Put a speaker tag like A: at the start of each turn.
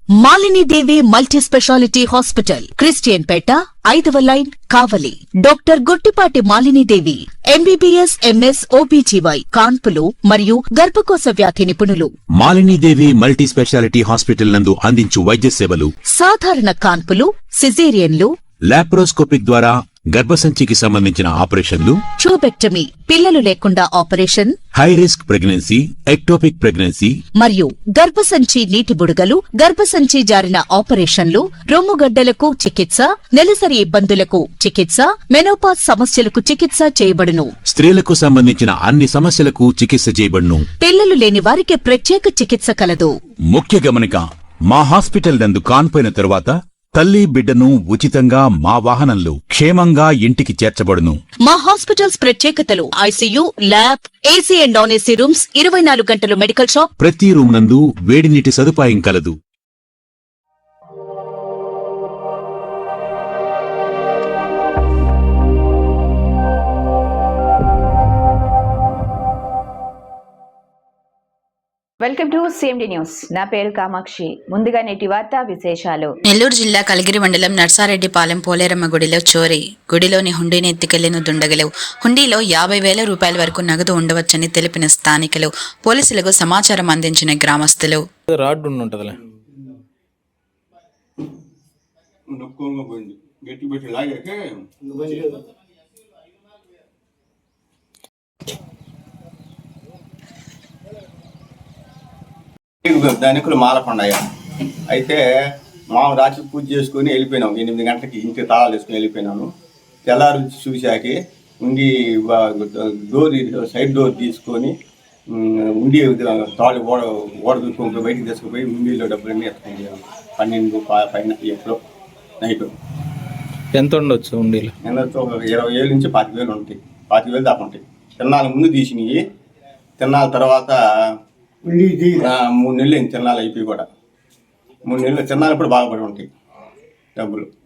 A: Malini Devi multi speciality hospital, Christian Peta, 5వ line, Kavali. Doctor Guttipati Malinidevi, MBBS, MS, OBGY, కాన్పులు మరియు గర్భకోశ వ్యాధి నిపుణులు.
B: మాలినీదేవి మల్టీ స్పెషాలిటీ హాస్పిటల్ నందు అందించు వైద్య సేవలు:
A: సాధారణ కాన్పులు, సిజేరియన్లు,
B: లాప్రోస్కోపిక్ ద్వారా గర్భసంచికి సంబంధించిన ఆపరేషన్లు,
A: ట్యూబెక్టమీ, పిల్లలు లేకుండా operation,
B: high risk pregnancy, ectopic pregnancy
A: మరియు గర్భసంచి నీటి బుడగలు, గర్భసంచి జారిన ఆపరేషన్లు, రొమ్ముగడ్డలకు చికిత్స, నెలసరి ఇబ్బందులకు చికిత్స, మెనోపాజ్ సమస్యలకు చికిత్స చేయబడును.
B: స్త్రీలకు సంబంధించిన అన్ని సమస్యలకు చికిత్స చేయబడును.
A: పిల్లలు లేని వారికి ప్రత్యేక చికిత్స కలదు.
B: ముఖ్య గమనిక: మా హాస్పిటల్ నందు కాన్పోయిన తరువాత తల్లి బిడ్డను ఉచితంగా మా వాహనంలో క్షేమంగా ఇంటికి చేర్చబడును.
A: మా హాస్పిటల్స్ ప్రత్యేకతలు: ICU, lab, AC and non AC rooms, 24 గంటలు మెడికల్ షాప్,
B: ప్రతి రూమ్ నందు వేడి నీటి సదుపాయం కలదు.
C: Welcome to CMD news. నా పేరు కామాక్షి. ముందుగా నేటి వార్తా విశేషాలు.
D: నెల్లూరు జిల్లా కలిగిరి మండలం నర్సారెడ్డిపాలెం పోలేరమ్మ గుడిలో చోరీ. గుడిలోని హుండీని ఎత్తుకెళ్లిన దుండగులు. హుండీలో 50,000 రూపాయల వరకు నగదు ఉండవచ్చని తెలిపిన స్థానికులు. పోలీసులకు సమాచారం అందించిన గ్రామస్తులు.
E: ధనికులు మాలకొండయ్య అయితే మాము రాత్రి పూజ చేసుకుని వెళ్ళిపోయినాం. 8 గంటలకి ఇంటి తాళాలు వేసుకుని వెళ్ళిపోయినాను. తెల్లారు చూశాకి ఉండి సైడ్ డోర్ తీసుకొని ఉండి తాళి ఓడ దూసుకొని బయటికి తీసుకుపోయి ఉండిలో డబ్బులన్నీ ఎత్తుకొని 12 పైన ఎప్పుడో నైట్.
F: ఎంత ఉండొచ్చు ఉండిలో?
E: ఎంత 20,000 నుంచి 25,000 ఉంటాయి. 25,000 దాకా ఉంటాయి. తిన్నాళ్ళ ముందు తీసినవి. తిన్నాళ్ళ తర్వాత 3 నెలలు అయింది తిన్నాళ్ళు అయిపోయి కూడా. 3 నెలలు తిన్నాళ్ళు ఇప్పుడు బాగుపడి ఉంటాయి డబ్బులు.